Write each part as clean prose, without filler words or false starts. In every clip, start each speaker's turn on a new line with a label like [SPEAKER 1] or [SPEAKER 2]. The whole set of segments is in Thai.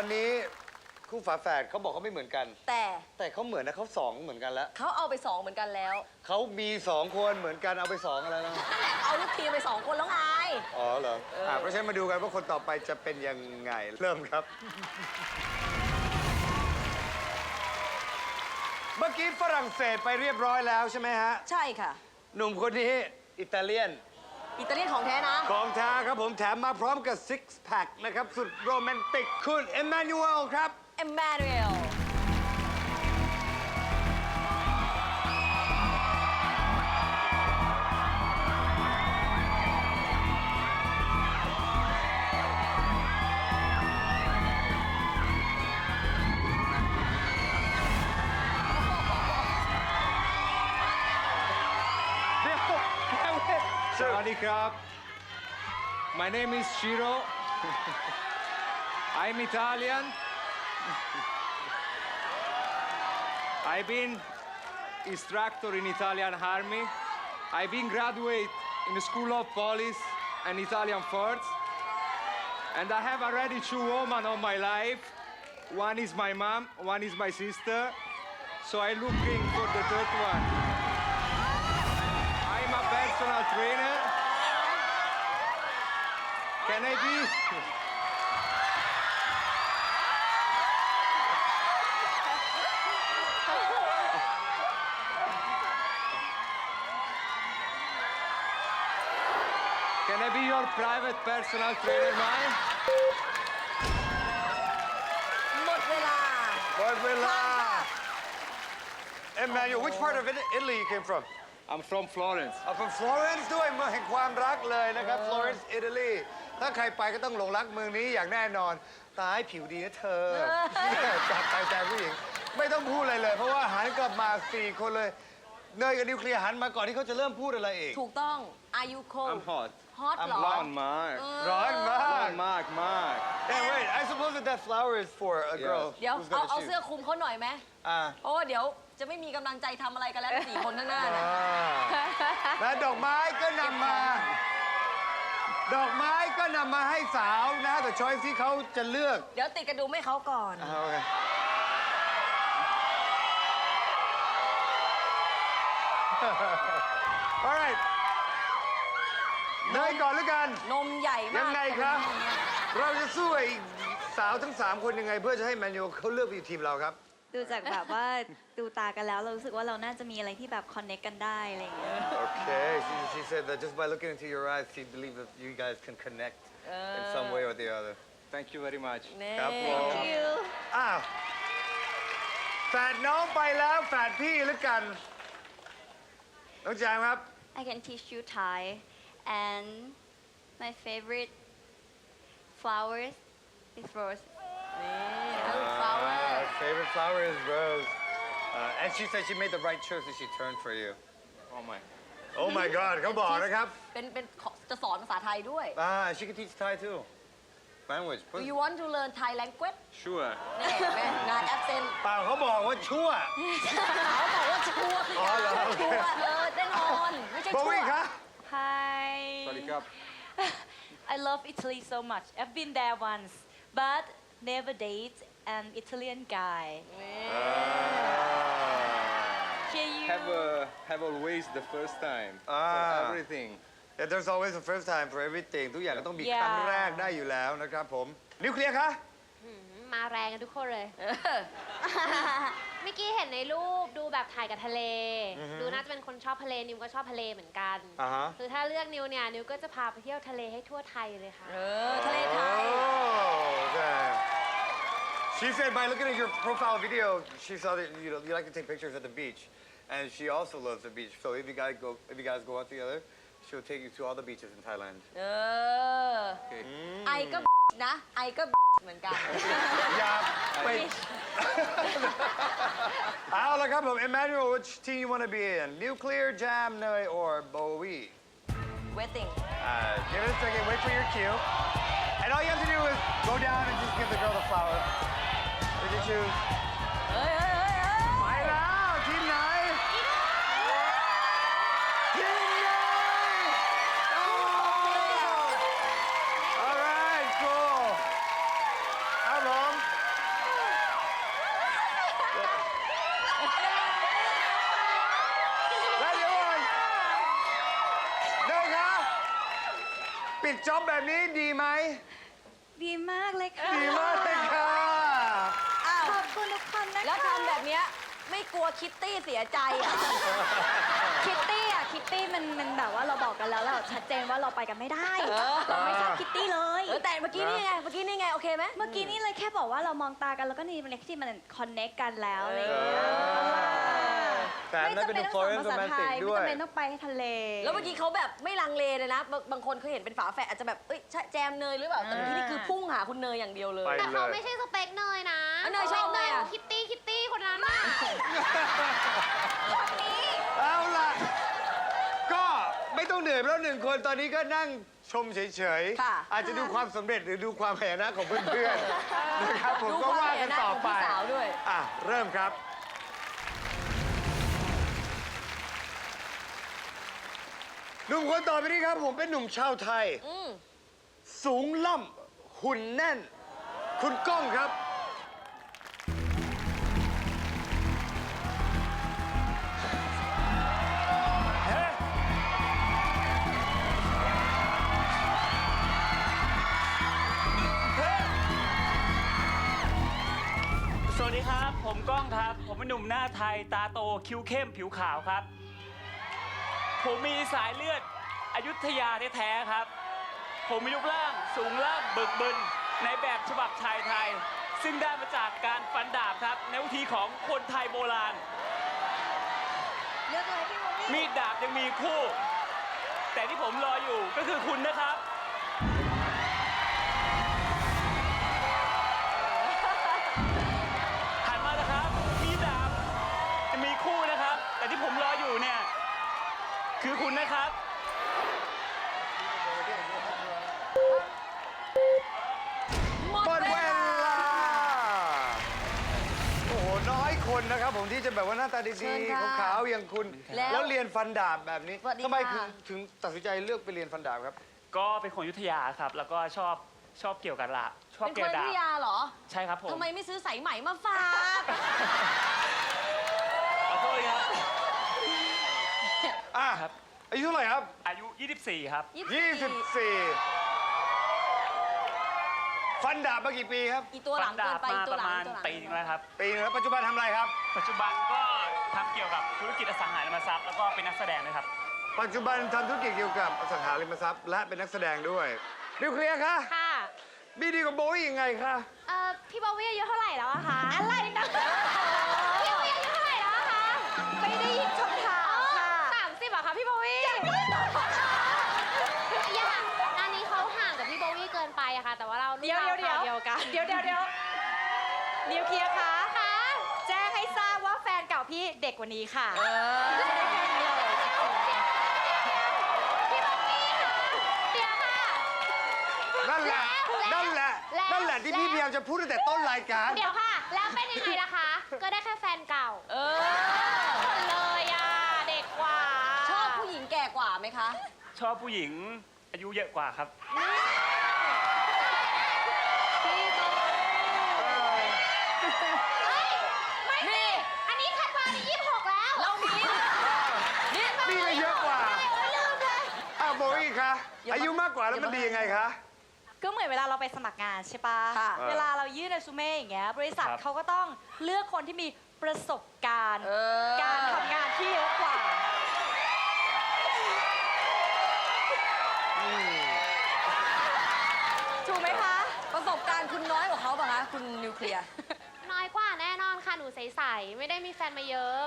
[SPEAKER 1] อนนี้คู่ฝาแฝดเขาบอกเขาไม่เหมือนกัน แต่เขาเหมือนนะเขาสองเหมือนกันแล้ว
[SPEAKER 2] เขาเอาไป2เหมือนกันแล้ว
[SPEAKER 1] เขามี2 คนเหมือนกันเอาไป2อะไรนะ
[SPEAKER 2] เอาลูกทีมไป2 คนแล้วไง
[SPEAKER 1] อ๋อเหรอเพราะฉะนั้นมาดูกันว่าคนต่อไปจะเป็นยังไงเริ่มครับ เมื่อกี้ฝรั่งเศสไปเรียบร้อยแล้วใช่ไหมฮะ
[SPEAKER 2] ใช่ค่ะ
[SPEAKER 1] หนุ่มคนนี้อิตาเลียน
[SPEAKER 2] ของแท้นะ
[SPEAKER 1] ของแท้ครับผมแถมมาพร้อมกับซิกแพคนะครับสุดโรแมนติกคุณเอมมานูเอลครับ
[SPEAKER 2] เอมมานูเอล
[SPEAKER 3] Sawadee krab. My name is Shiro. I'm Italian. I've been instructor in Italian army. I've been graduate in the School of Police and Italian Force. And I have already 2 women on my life. One is my mom, one is my sister. So I'm looking for the 3rd one. I'm a personal trainer. Can I be? Can I be your private personal trainer, mine?
[SPEAKER 2] หมดเวลา
[SPEAKER 1] Emmanuel, which part of Italy you came from?
[SPEAKER 3] I'm from Florence.
[SPEAKER 1] From Florence ด้วยเมืองแห่งความรักเลยนะครับ Florence Italy ถ้าใครไปก็ต้องหลงรักเมืองนี้อย่างแน่นอนตายผิวดีนะเธอจับใจใจผู้หญิงไม่ต้องพูดอะไรเลยเพราะว่าหันกลับมา4 คนเลยเนยกับนิวเคลียร์หันมาก่อนที่เขาจะเริ่มพูดอะไรอีก
[SPEAKER 2] ถูกต้อง Are you cold
[SPEAKER 3] I'm hot.
[SPEAKER 2] hot เหรอ
[SPEAKER 3] ร้อนมาก
[SPEAKER 1] ร้อนมาก
[SPEAKER 3] ร้อนมาก
[SPEAKER 1] Hey wait I suppose that flower is for a girl
[SPEAKER 2] เดี๋ยว
[SPEAKER 1] who's gonna
[SPEAKER 2] เอา
[SPEAKER 1] shoot
[SPEAKER 2] เสื้อคลุมเขาหน่อยไหมเพราะว่าเดี๋ยวจะไม่มีกำลังใจทำอะไรกันแล้ว4 คนข้างหน้านะ
[SPEAKER 1] และดอกไม้ก็นำมาให้สาวนะแต่ช้อยที่เขาจะเลือก
[SPEAKER 2] เดี๋ยวติดกระดุมให้เขาก่อน
[SPEAKER 1] โอเคalright เนยก่อนแล้วกัน
[SPEAKER 2] นมใหญ่มาก
[SPEAKER 1] ยังไงครับเราจะสู้ไอ้สาวทั้ง3 คนยังไงเพื่อจะให้แมนยูเขาเลือกไปอยู่ทีมเราครับ
[SPEAKER 4] ดูจากแบบว่าดูตากันแล้วเรารู้สึกว่าเราน่าจะมีอะไรที่แบบคอนเนคกันได้อะไรอย่างเงี้ย
[SPEAKER 1] Okay she said that just by looking into your eyes she believes that you guys can connect in some way or the other
[SPEAKER 3] Thank you very much
[SPEAKER 1] ครับผม
[SPEAKER 4] Thank you
[SPEAKER 1] แฝดน้องไปแล้วแฝดพี่แล้วกันน้องแจมครับ
[SPEAKER 4] I can teach you Thai and my favorite flowers is rose
[SPEAKER 1] Her favorite flower is rose and she said she made the right choice when she turned for you Oh my God เขาบอกนะครับ
[SPEAKER 2] เป็นจะสอนภาษาไทยด้วย
[SPEAKER 1] she can teach Thai too language
[SPEAKER 2] Do you want to learn Thai language
[SPEAKER 3] Sure
[SPEAKER 2] นี่แม่งาน absent
[SPEAKER 1] เปล่าเขาบอกว่าชั่ว
[SPEAKER 2] เขาบอกว่าชั่วพี่ชั่วแน่นอนไม่ใช่ชั่ว
[SPEAKER 1] โบวี่คะ
[SPEAKER 4] Hi
[SPEAKER 3] สวัสดีครับ
[SPEAKER 4] I love Italy so much I've been there once but never date an Italian guy Can you
[SPEAKER 3] have always the first time for everything
[SPEAKER 1] Yeah, there's always a first time for everything ทุกอย่างก็ต้องมีครั้งแรกได้อยู่แล้วนะครับผมนิวเคลียร์คะ
[SPEAKER 5] มาแรงกันทุกคนเลยเมื่อกี้เห็นในรูปดูแบบถ่ายกับทะเลดูน่าจะเป็นคนชอบทะเลนิวก็ชอบทะเลเหมือนกันคือถ้าเลือกนิวเนี่ยนิวก็จะพาไปเที่ยวทะเลให้ทั่วไทยเลยค่ะ
[SPEAKER 2] ทะเลไทย
[SPEAKER 1] She said by looking at your profile video she saw that you like to take pictures at the beach and she also loves the beach so if you guys go out together she'll take you to all the beaches in Thailand
[SPEAKER 2] ไอก็นะไอก็เหมือนกัน
[SPEAKER 1] อย่าไปเอาละครับผม Emmanuel which team you want to be in Nuclear Jam เนย or Bowie
[SPEAKER 2] Waiting
[SPEAKER 1] give it a second wait for your cue and all you have to do is go down and just give the girl the flower did you choose ไปแล้วทีมไหนAll right, cool. ครับผมจ็อบแบบนี้ดีไหม
[SPEAKER 4] ดีมากเลยค่ะ
[SPEAKER 1] ดีมากเลยค่ะ
[SPEAKER 2] อ้าว
[SPEAKER 4] ขอบคุณทุกคนนะคะ
[SPEAKER 2] แล้วทำแบบเนี้ยไม่กลัวคิตตี้เสียใจอ่ะ
[SPEAKER 4] คิตตี้มันแบบว่าเราบอกกันแล้วเราชัดเจนว่าเราไปกันไม่ได้ เราไม่ชอบคิตตี้เลย
[SPEAKER 2] แต่เมื่อกี้นี่ไง โอเคไหม
[SPEAKER 4] เมื่อกี้นี่เลยแค่บอกว่าเรามองตากันแล้วก็นี่มันที่มันคอนเนคกันแล้วอะไรอย่างเงี้ย
[SPEAKER 1] แต่อันนั้นเป็น Florence Romantic ด้วย
[SPEAKER 4] ไม่จำเป็นต้องไปทะเล
[SPEAKER 2] แล้วเมื่อกี้เขาแบบไม่ลังเลเลยนะ บางคนเขาเห็นเป็นฝาแฝดอาจจะแบบเอ้ยใช่แจมเนยหรือเปล่า แต่เมื่อกี้นี่คือพุ่งหาคุณเนยอย่างเดียวเลย
[SPEAKER 1] ไป
[SPEAKER 5] แต่เขาไม่ใช่สเปคเนยนะ
[SPEAKER 2] อ่ะเนยชอบเนยอ่ะ
[SPEAKER 5] คิตตี้คนนั้นน่ะ
[SPEAKER 1] เอาล่ะ ก็ไม่ต้องเหนื่อยเพราะหนึ่งคนตอนนี้ก็นั่งชมเฉย
[SPEAKER 2] ค่ะ
[SPEAKER 1] ๆ อาจจะดูความสำเร็จหรือดูความแหนะของเพื่อนๆ นะครับผมก็ว่ากันต่อไป
[SPEAKER 2] ดูความแหนะของพี่สาวด้วย
[SPEAKER 1] อ่ะ เริ่มครับ หนุ่มคนต่อไปนี้ครับผมเป็นหนุ่มชาวไทย สูงล่ำหุ่นแน่น คุณก้องครับ
[SPEAKER 6] สวัสดีครับ ผมก้องครับ ผมเป็นหนุ่มหน้าไทย ตาโต คิ้วเข้ม ผิวขาวครับ ผมมีสายเลือดอยุธยาแท้ๆครับ ผมมีรูปร่างสูงล่ำบึกบึนในแบบฉบับชายไทย ซึ่งได้มาจากการฟันดาบครับ ในวิธีของคนไทยโบราณ
[SPEAKER 4] เลือกเลยพี่โมมี่
[SPEAKER 6] มีดดาบยังมีคู่ แต่ที่ผมรออยู่ก็คือคุณนะครับ หันมานะครับ มีดดาบจะมีคู่นะครับ แต่ที่ผมรออยู่เนี่ยคือคุณนะครับ
[SPEAKER 1] หมดเวลา โอ้โห น้อยคนนะครับผมที่จะแบบว่าหน้าตา
[SPEAKER 2] เชิ
[SPEAKER 1] ดี
[SPEAKER 2] ญค่ะ
[SPEAKER 1] ๆขาวๆอย่างคุณ
[SPEAKER 2] แล้ว
[SPEAKER 1] แล้วเรียนฟันดาบแบบนี้
[SPEAKER 2] สวัสดี
[SPEAKER 1] ทำไม
[SPEAKER 2] ค่ะ
[SPEAKER 1] ถึงตัดสินใจเลือกไปเรียนฟันดาบครับ
[SPEAKER 6] ก็เป็นคนอยุธยาครับ แล้วก็ชอบเกี่ยวกับละชอบ
[SPEAKER 2] เป็น
[SPEAKER 6] เกี่
[SPEAKER 2] ค
[SPEAKER 6] ยวน กับ
[SPEAKER 2] พิ
[SPEAKER 6] ดาบ
[SPEAKER 2] ยาเหรอ
[SPEAKER 6] ใช่ครับผม
[SPEAKER 2] ทำไมไม่ซื้อสายไหมมาฝาก
[SPEAKER 6] ขอโทษครับ
[SPEAKER 1] อ่ะ
[SPEAKER 6] ครับ
[SPEAKER 1] อายุเท่าไหร่ครับ
[SPEAKER 6] อายุ 24 ครับ
[SPEAKER 1] 24 ฟันดาบมากี่ปีครับ
[SPEAKER 2] อีตัวหลัง
[SPEAKER 6] ดา
[SPEAKER 2] เกิน
[SPEAKER 6] บ
[SPEAKER 2] ไป
[SPEAKER 6] มา
[SPEAKER 2] อีตั
[SPEAKER 6] ป
[SPEAKER 2] ว
[SPEAKER 6] ระ
[SPEAKER 2] หลัง
[SPEAKER 6] มาณ
[SPEAKER 2] ตัวหลัง
[SPEAKER 6] ปีนึงแล้วครับ
[SPEAKER 1] ปีนึงแล้วปัจจุบันทำอะไรครับ
[SPEAKER 6] ปัจจุบันก็ทำเกี่ยวกับธุรกิจอสังหาริมทรัพย์แล้วก็เป็นนักแสดงด้วยครับ
[SPEAKER 1] ปัจจุบันทำธุรกิจเกี่ยวกับอสังหาริมทรัพย์และเป็นนักแสดงด้วยนิวเคลียร์คะ
[SPEAKER 5] ค่ะ
[SPEAKER 1] บีดีกับโบวี่ยังไงคะ
[SPEAKER 5] พี่บอวี่อายุเท่าไหร่แล้วอะคะ อะไรนะพี่บอวี่อายุเท่าไหร่แล้วอะคะ
[SPEAKER 4] ไม่ได้ยินคำถามค่ะ
[SPEAKER 5] 30อะคะพี่บอวี่อย่าอันนี้เขาห่างกับพี่บอวี่เกินไปอะค่ะ แต่ว่าเรารุ่น
[SPEAKER 4] เดี๋ยว
[SPEAKER 5] ราวคราวเดียวกัน
[SPEAKER 4] เดี๋ยวนิวเคลียร์คะ
[SPEAKER 5] ค่ะ
[SPEAKER 4] แจ้งให้ทราบว่าแฟนเก่าพี่เด็กกว่านี้ค่ะ
[SPEAKER 5] พี่บอวี่ค่ะเดี๋ยวค่ะ
[SPEAKER 1] นั่นแหละ
[SPEAKER 5] แล้ว
[SPEAKER 1] นั่นแหละ
[SPEAKER 5] แล้ว
[SPEAKER 1] นั่นแหละที่พี่พยายามจะพูดตั้งแต่ต้นรายการ
[SPEAKER 5] เดี๋ยวค่ะ แล้วเป็นยังไงล่ะคะ ก็ได้แค่แฟนเก่า หมดเลยอะเด็กกว่า
[SPEAKER 2] ชอบผู้หญิงแก่กว่าไหมคะ
[SPEAKER 6] ชอบผู้หญิงอายุเยอะกว่าครับ
[SPEAKER 5] ไม่สิอันนี้ถัดมานี่26 แล้ว
[SPEAKER 2] เรามีนี่
[SPEAKER 1] นี่ก็เยอะกว่า
[SPEAKER 5] โอ๊ยลืมเลย
[SPEAKER 1] อ้าวโบวี่คะ อายุมากกว่าแล้วมันดียังไงคะ
[SPEAKER 4] ก็เหมือนเวลาเราไปสมัครงานใช่ปะ
[SPEAKER 2] ค่ะ
[SPEAKER 4] เวลาเรายื่นเรซูเม่อย่างเงี้ย บริษัท
[SPEAKER 6] ครับ
[SPEAKER 4] เขาก็ต้องเลือกคนที่มีประสบการณ์
[SPEAKER 2] เออ
[SPEAKER 4] การทำงานที่เยอะกว่า ถูกไหมคะ
[SPEAKER 2] ประสบการณ์คุณน้อยกว่าเขาป่ะคะ คุณนิวเคลียร์
[SPEAKER 5] น้อยกว่าแน่นอนค่ะ หนูใสๆไม่ได้มีแฟนมาเยอะ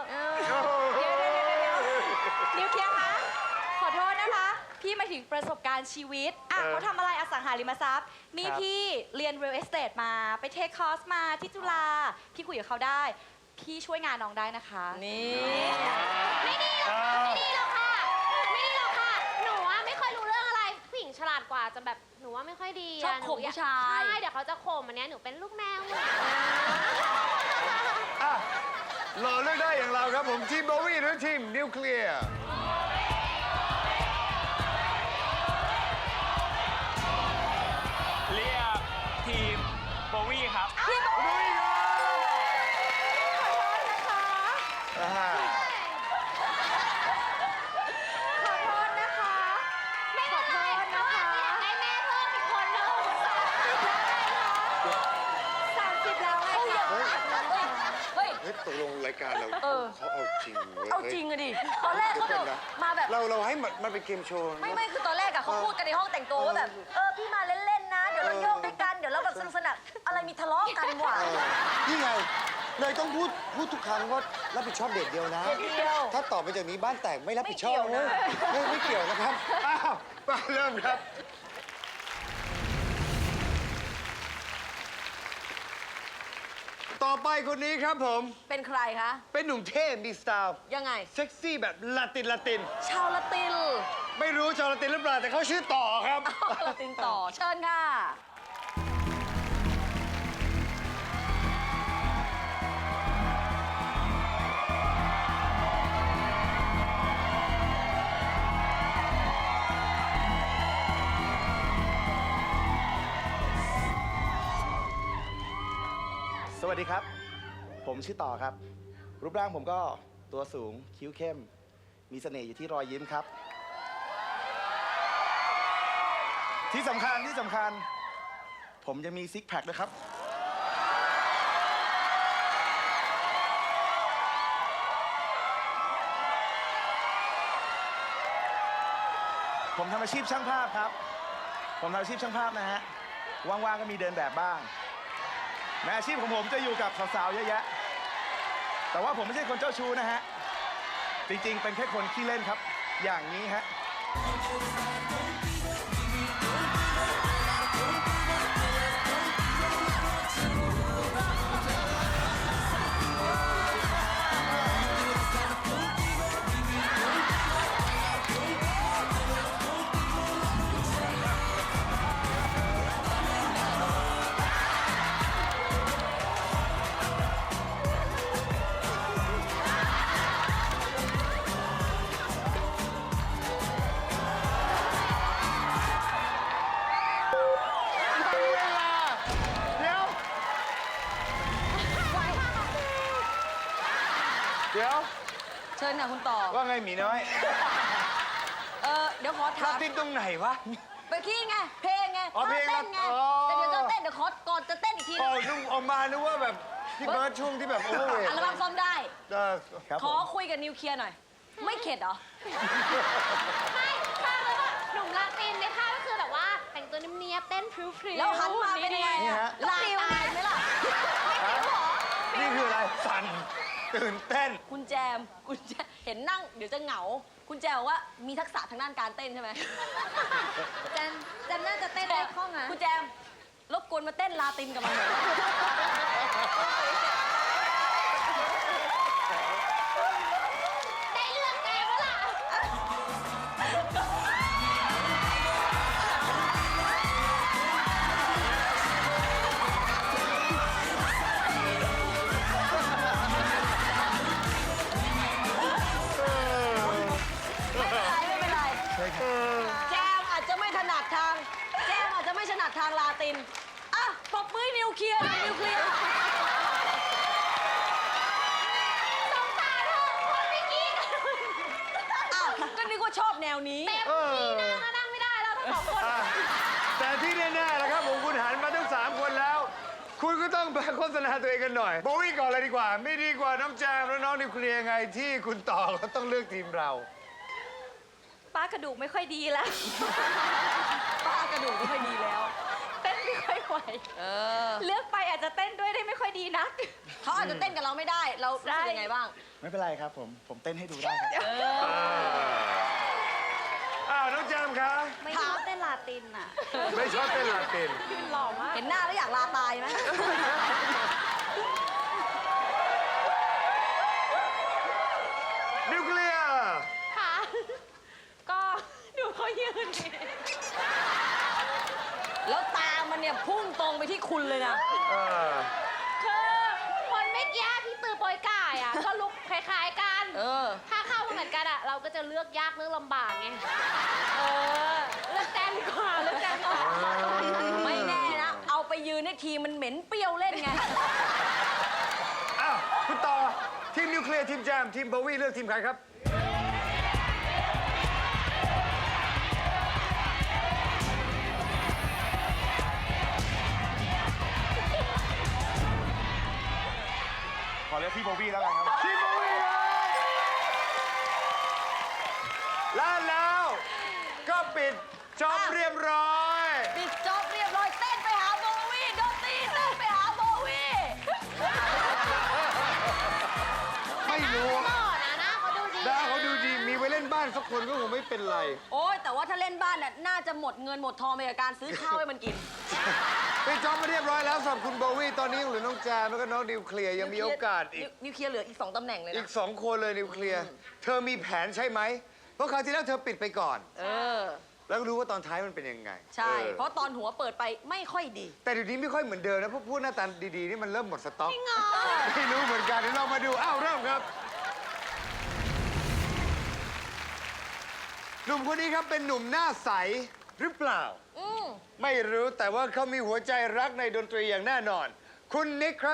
[SPEAKER 4] นิวเคลียร์คะ ขอโทษนะคะ พี่หมายถึงประสบการณ์ชีวิต อ่ะ
[SPEAKER 1] เออ
[SPEAKER 4] เขาทำอะไรอสังหาริมทรัพย์ นี่
[SPEAKER 6] ครับ
[SPEAKER 4] พี่เรียน real estate มา ไปเทคคอร์สมาที่จุฬา พี่คุยกับเขาได้ พี่ช่วยงานน้องได้นะคะ
[SPEAKER 2] นี่
[SPEAKER 5] ไม่ดีหรอกค่ะ ไม่ดีหรอกค่ะ ไม่ดีหรอกค่ะ หนูว่าไม่ค่อยรู้เรื่องอะไร ผู้หญิงฉลาดกว่าจะแบบ หนูว่าไม่ค่อยดี
[SPEAKER 2] ชอบ
[SPEAKER 5] ะหนู
[SPEAKER 2] ข่มผู้ชาย
[SPEAKER 5] ใช่ เดี๋ยวเขาจะข่มอันเนี้ยหนูเป็นลูกแมวหมด
[SPEAKER 1] อ่ะหล่อเลือกได้อย่างเราครับผม ทีมโบวี่หรือทีมนิวเคลียร์
[SPEAKER 6] เรียกทีมโบวี่ครับ
[SPEAKER 1] โบวี่ครับอ่า
[SPEAKER 4] ขอโทษนะคะ
[SPEAKER 5] ไม่เป็นไรเพราะว่าอยากได้แม่
[SPEAKER 1] ฮ้ยตกลงรายการเรา
[SPEAKER 2] เออ
[SPEAKER 1] เขาเอาจริงเว้ย
[SPEAKER 2] เอาจริงอะดิ ตอนแรกเขาแบบมาแบบ
[SPEAKER 1] เราให้มันเป็นเกมโชว์นะ
[SPEAKER 2] ไม่คือตอนแรกอะเขาพูดกันในห้องแต่งตัวว่าแบบ พี่มาเล่นๆนะ เดี๋ยวเราโยกด้วยกัน เดี๋ยวเราแบบสนุกสนานอะไรมีทะเลาะกันว่ะ
[SPEAKER 1] นี่ไง เลยต้องพูดทุกครั้งว่ารับผิดชอบเด็กเดียวนะ
[SPEAKER 2] เด็กเดียว
[SPEAKER 1] ถ้าต่อไปจากนี้บ้านแตกไม่รับผิดชอบ
[SPEAKER 2] ไม่
[SPEAKER 1] นะ
[SPEAKER 2] เกี่ยวนะ
[SPEAKER 1] ไม่เกี่ยวนะครับ อ้าวมาเริ่มครับ ต่อไปคนนี้ครับผม
[SPEAKER 2] เป็นใครคะ
[SPEAKER 1] เป็นหนุ่มเท่มีสไตล์
[SPEAKER 2] ยังไง
[SPEAKER 1] เซ็กซี่แบบลาติน
[SPEAKER 2] ชาวละติน
[SPEAKER 1] ไม่รู้ชาวละตินหรือเปล่า แต่เขาชื่อต่อครับ
[SPEAKER 2] ละตินต่อ เชิญค่ะ
[SPEAKER 7] สวัสดีครับ ผมชื่อต่อครับ รูปร่างผมก็ตัวสูงคิ้วเข้ม มีเสน่ห์อยู่ที่รอยยิ้มครับ ที่สำคัญ ผมจะมีซิกแพคด้วยครับ ผมทำอาชีพช่างภาพครับ ผมทำอาชีพช่างภาพนะฮะ ว่างๆก็มีเดินแบบบ้าง แม้อาชีพของผมจะอยู่กับสาวๆเยอะแยะ แต่ว่าผมไม่ใช่คนเจ้าชู้นะฮะ จริงๆ เป็นแค่คนขี้เล่นครับ อย่างนี้ฮะ
[SPEAKER 1] เดี๋ยว
[SPEAKER 2] เชิญค่ะคุณต่อ
[SPEAKER 1] ว่าไงหมีน้อย
[SPEAKER 2] เดี๋ยวขอ
[SPEAKER 1] ลา
[SPEAKER 2] ถาม
[SPEAKER 1] ตินตรงไหนวะ
[SPEAKER 2] เมื่อกี้ไง เพลงไง
[SPEAKER 1] อ๋อเพลง
[SPEAKER 2] เต้นไง
[SPEAKER 1] อ๋อ
[SPEAKER 2] แต่เดี๋ยวจะเต้น เดี๋ยวขอก่อนจะเต้นอีกที
[SPEAKER 1] อ๋
[SPEAKER 2] นึ
[SPEAKER 1] อง นึกออกมานึกว่าแบบพี่เบิร์ดช่วงที่แบบโอเวอร์เวท
[SPEAKER 2] อัลบั้มซ่อมได้
[SPEAKER 7] ครับ
[SPEAKER 2] ข
[SPEAKER 7] ผ
[SPEAKER 2] อ
[SPEAKER 7] ม
[SPEAKER 2] คุยกับนิวเคลียร์หน่อย ไม่เข็ดเหรอ
[SPEAKER 5] ไม่ภาพแล้วก็หนุ่มลาตินในภาพก็คือแบบว่าแต่งตัวเนียบๆเต้นพริ้วๆ
[SPEAKER 2] แล้วหันมาเป็นยังไง
[SPEAKER 7] นี่
[SPEAKER 2] อะ
[SPEAKER 7] ฮะ
[SPEAKER 2] ลาตายไหมล่ะ
[SPEAKER 1] นี่คืออะไร สั่น ตื่นเต้น
[SPEAKER 2] คุณแจมเห็นนั่งเดี๋ยวจะเหงา คุณแจมบอกว่ามีทักษะทางด้านการเต้นใช่ไหม
[SPEAKER 4] แจมน่าจะเต้นได้คล่องนะ
[SPEAKER 2] คุณแจมรบกวนมาเต้นลาตินกับมันหน่อย
[SPEAKER 5] ได้เรื่องแกวะล่ะ
[SPEAKER 2] ไม่เป็นไรแจมอาจจะไม่ถนัดทาง แจมอาจจะไม่ถนัดทางลาติน อ่ะปรบมือให้นิวเคลียร์หน่อยนิวเคลียร์
[SPEAKER 5] สงสารเธอคนไม่กี้กัน
[SPEAKER 2] อ้าวก็นึกว่าชอบแนวนี้
[SPEAKER 5] เต็มที่นั่งก็นั่งไม่ได้แล้วทั้งสองคน
[SPEAKER 1] แต่ที่แน่ๆนะครับผมคุณหันมาทั้ง 3 คนแล้ว คุณก็ต้องไปโฆษณาตัวเองกันหน่อยโบวี่ก่อนเลยดีกว่า ไม่ดีกว่าน้องแจมและน้องนิวเคลียร์ไงที่คุณต่อเขาต้องเลือกทีมเรา
[SPEAKER 4] ป้ากระดูกไม่ค่อยดีแล้ว
[SPEAKER 2] ป้ากระดูกไม่ค่อยดีแล้ว
[SPEAKER 4] เต้นไม่ค่อยไหว เลือกไปอาจจะเต้นด้วยได้ไม่ค่อยดีนัก
[SPEAKER 2] เขาอาจจะเต้นกับเราไม่ได้ เรารู้สึกยังไงบ้าง
[SPEAKER 7] ไม่เป็นไรครับผมเต้นให้ดูได้ครับ
[SPEAKER 1] อ้าวน้องแจมครับ
[SPEAKER 4] ไม่ชอบเต้นลาตินอ่ะ
[SPEAKER 1] ไม่ชอบเต้นลาติน
[SPEAKER 4] หล่อมาก
[SPEAKER 2] เห็นหน้าแล้วอยากลาตายไหม
[SPEAKER 1] นิวเคลียร์
[SPEAKER 5] ค่ะ
[SPEAKER 4] ก็ดูเขายืนดิ
[SPEAKER 2] แล้วตามันเนี่ยพุ่งตรงไปที่คุณเลยนะ
[SPEAKER 5] คือคนเมื่อกี้ที่ตือโปรยก่ายอ่ะ ก็ลุกคล้ายๆกัน ถ้าเข้าเหมือนกันอ่ะ เราก็จะเลือกยากเลือกลำบากไง เลือกแจมดีกว่าเลือกแจมดีกว่า
[SPEAKER 2] ไม่แน่นะ เอาไปยืนในทีมันเหม็นเปรี้ยวเล่นไง
[SPEAKER 1] อ้าวคุณต่อทีมนิวเคลียร์ทีมแจมทีมโบวี่เลือกทีมใครครับ
[SPEAKER 7] ขอเรียกพี่โบวี่แล้วกันครับ
[SPEAKER 1] ทีมโบวี่ครับและแล้วก็ปิดจอบเรียบร้อย
[SPEAKER 2] ปิดจบเรียบร้อยเต้นไปหาโบวี่ดนตรีเต้นไปหาโบวี่
[SPEAKER 1] ไม่รู้
[SPEAKER 5] หล่อนะหน้าเขาดูดี
[SPEAKER 1] ดาเขาดูดีมีไว้เล่นบ้านสักคนก็คงไม่เป็นไร
[SPEAKER 2] โอ้ยแต่ว่าถ้าเล่นบ้านน่ะน่าจะหมดเงินหมดทองไปกับการซื้อข้าวให้มันกิน
[SPEAKER 1] ปิดจอบมาเรียบร้อยแล้วสำหรับคุณโบวี่ตอนนี้ยังเหลือน้องแจมแล้วก็น้องนิวเคลียร์ยังมีโอกาสอีก
[SPEAKER 2] นิวเคลียร์เหลืออีก 2ตำแหน่งเลย
[SPEAKER 1] อี
[SPEAKER 2] นะ
[SPEAKER 1] ก2 คนเลยนิวเคลียร์เธอมีแผนใช่ไหมเพราะคราวที่แล้วเธอปิดไปก่อน
[SPEAKER 2] เออ
[SPEAKER 1] แล้วรู้ว่าตอนท้ายมันเป็นยังไง
[SPEAKER 2] ใช่
[SPEAKER 1] ออ
[SPEAKER 2] เพราะตอนหัวเปิดไปไม่ค่อยดี
[SPEAKER 1] แต่เดี๋ยวนี้ไม่ค่อยเหมือนเดิมนะเพราะพูดหน้าตาดีๆนี่มันเริ่มหมดสต็อกไม่รู้เหมือนกันเดี๋ยวเรามาดูอ้าวเริ่มครับหนุ่มคนนี้ครับเป็นหนุ่มหน้าใสหรือเปล่า ไม่รู้แต่ว่าเขามีหัวใจรักในดนตรีอย่างแน่นอน คุณนิกครับ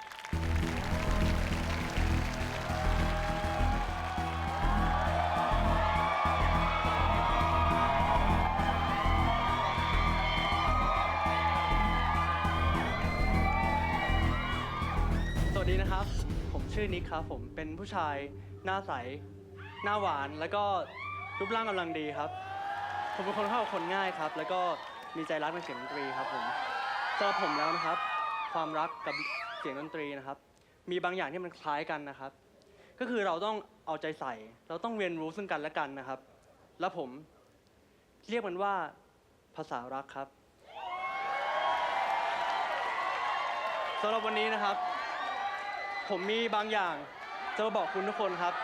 [SPEAKER 8] สวัสดีนะครับ ผมชื่อนิกครับ ผมเป็นผู้ชายหน้าใส หน้าหวาน แล้วก็รูปร่างกำลังดีครับ ผมเป็นคนเข้ากับคนง่ายครับ แล้วก็มีใจรักในเสียงดนตรีครับผมสำหรับผมแล้วนะครับ ความรักกับเสียงดนตรีนะครับ มีบางอย่างที่มันคล้ายกันนะครับ ก็คือเราต้องเอาใจใส่ เราต้องเรียนรู้ซึ่งกันและกันนะครับ แล้วผมเรียกมันว่าภาษารักครับสำหรับวันนี้นะครับ ผมมีบางอย่างจะมาบอกคุณทุกคนครับ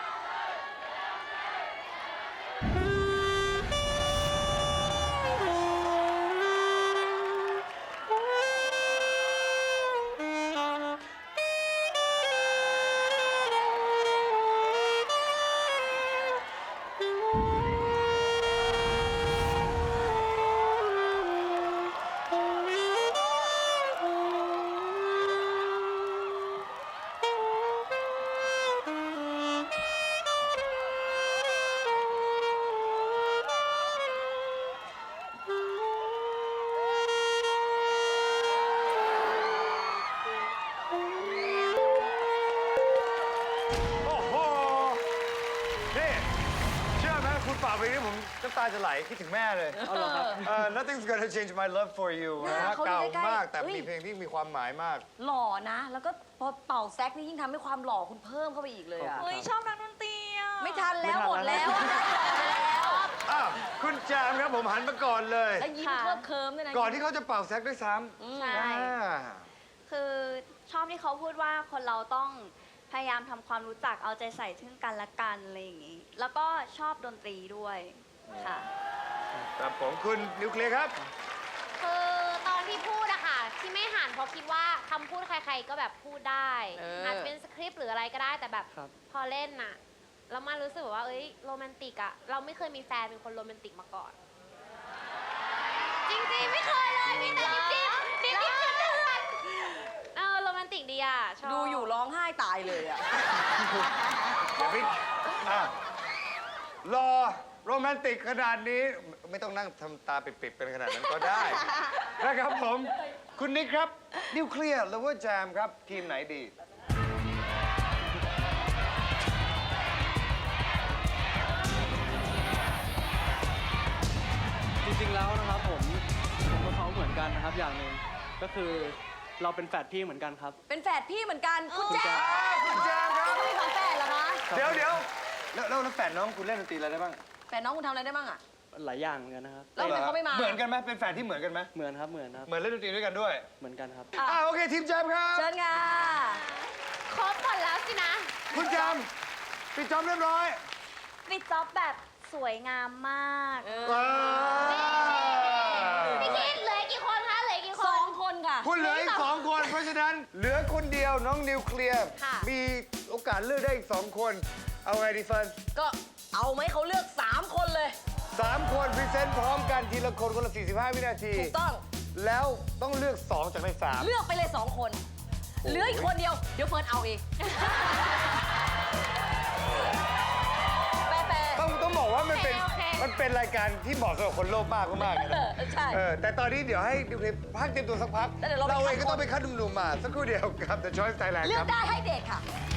[SPEAKER 1] โอ้โห นี่ เชื่อไหมคุณเป่าไปนี้ผมน้ำตาจะไหลคิดถึงแม่เลย
[SPEAKER 8] เอาเหรอครับ
[SPEAKER 1] Nothing's gonna change my love for you นะฮะ
[SPEAKER 2] เขาอยู่
[SPEAKER 1] เก่า
[SPEAKER 2] ใกล้ๆ
[SPEAKER 1] มากแต่
[SPEAKER 2] เฮ้ย
[SPEAKER 1] มีเพลงที่มีความหมายมาก
[SPEAKER 2] หล่อนะ แล้วก็พอเป่าแซกนี่ยิ่งทำให้ความหล่อคุณเพิ่มเข้าไปอีกเลยอะ
[SPEAKER 8] เฮ้ย
[SPEAKER 2] ชอบนักดนตรีอะไม่ทันแล้วหมดแล้วได้แล้ว
[SPEAKER 1] อ้าวคุณแจมครับผมหันมาก่อนเลย
[SPEAKER 2] แล้วยิ้มเคลิบเคิมด้วยนะ
[SPEAKER 1] ก่อนที่เขาจะเป่าแซกด้วยซ้
[SPEAKER 4] ใช่
[SPEAKER 1] ำอ่า
[SPEAKER 4] คือชอบที่เขาพูดว่าคนเราต้องพยายามทำความรู้จักเอาใจใส่ซึ่งกันและกันอะไรอย่างนี้ แล้วก็ชอบดนตรีด้วยค่ะ
[SPEAKER 1] ครับผมคุณนิวเคลียร์ครับ
[SPEAKER 5] คือตอนที่พูดอะค่ะ ที่ไม่หันเพราะคิดว่าคำพูดใครๆก็แบบพูดได้ อาจจะเป็นสคริปต์หรืออะไรก็ได้แต่แบบ
[SPEAKER 8] ครับ
[SPEAKER 5] พอเล่นน่ะแล้วมารู้สึกแบบว่าเอ้ยโรแมนติกอะเราไม่เคยมีแฟนเป็นคนโรแมนติกมาก่อน จริงๆไม่เคยเลยมีแต่ดิบๆดิบๆเถื่อนๆโรแมนติกดีอะชอบ
[SPEAKER 2] ดูอยู่ร้องไห้ตายเลยอะ
[SPEAKER 1] อย่าไปอ่ะรอโรแมนติกขนาดนี้ไม่ต้องนั่งทำตาปิดๆเป็นขนาดนั้นก็ได้ นะครับผม คุณนิกครับ นิวเคลียร์หรือว่าแจมครับ ทีมไหนดี
[SPEAKER 8] จริงๆแล้วนะครับผมกับเขาเหมือนกันนะครับอย่างหนึ่งก็คือเราเป็นแฝดพี่เหมือนกันครับ
[SPEAKER 2] เป็นแฝดพี่เหมือนกัน คุณแจ๊
[SPEAKER 1] คุณแจมครับ
[SPEAKER 2] ไม่มีของแฝดเหรอคะ
[SPEAKER 1] เดี๋ยวแล้วแฟนน้องคุณเล่นดนตรีอะไรได้บ้าง
[SPEAKER 2] แฝดน้องคุณทำอะไรได้บ้างอะ
[SPEAKER 8] หลายอย่างเหมือนกันนะครับ
[SPEAKER 2] แล้วทำไมเขาไม่มา
[SPEAKER 1] เหมือนกันไหมเป็นแฟนที่เหมือนกันไหม
[SPEAKER 8] เหมือนครับเหมือนครับ
[SPEAKER 1] เหมือนเล่นดนตรีด้วยกันด้วย
[SPEAKER 8] เหมือนกันครับ
[SPEAKER 1] โอเคทีมแจมครับ
[SPEAKER 2] เชิญค่ะ
[SPEAKER 5] ครบหมดแล้วสินะ
[SPEAKER 1] คุณแจมปิดจอบเรียบร้อย
[SPEAKER 4] ปิดจ็อบแบบสวยงามมาก
[SPEAKER 5] พี่คิดเหลือกี่คนคะเหลือกี่ค
[SPEAKER 2] สอน งคนค่ะ
[SPEAKER 1] คุณเหลืออีก2 คน เพราะฉะนั้นเหลือคนเดียวน้องนิวเคลียร์
[SPEAKER 5] ค่ะ
[SPEAKER 1] มีโอกาสเลือกได้อีก2 คน เอาไงดีเฟิร์น
[SPEAKER 2] ก็เอาไหมเขาเลือก 3 คนเลย
[SPEAKER 1] 3 คนพรีเซนต์พร้อมกันทีละคนคนละ 45 วินาที
[SPEAKER 2] ถูกต้อง
[SPEAKER 1] แล้วต้องเลือก 2 จากใน 3
[SPEAKER 2] เลือกไปเลย 2 คน เหลืออีกคนเดียว เดี๋ยวเฟิร์นเอาเอง แปะ
[SPEAKER 1] ต้องบอกว่ามันเป็น
[SPEAKER 5] โอเค
[SPEAKER 1] มันเป็นรายการที่เหมาะสำหรับคนโลภมากมากๆเลยนะ
[SPEAKER 2] ใช่
[SPEAKER 1] แต่ตอนนี้เดี๋ยวให้ดิวเคลียร์พักเตรียมตัวสักพัก
[SPEAKER 2] แล้วเดี๋ยวเราไป
[SPEAKER 1] เราเอง
[SPEAKER 2] คัด
[SPEAKER 1] ก็ต้องไปคัดหนุ่มๆมาสักครู่เดียวกับ The Choice Thailand
[SPEAKER 2] เลื
[SPEAKER 1] ค
[SPEAKER 2] อ
[SPEAKER 1] รั
[SPEAKER 2] ก
[SPEAKER 1] บ
[SPEAKER 2] ได้ให้เด็กค่ะ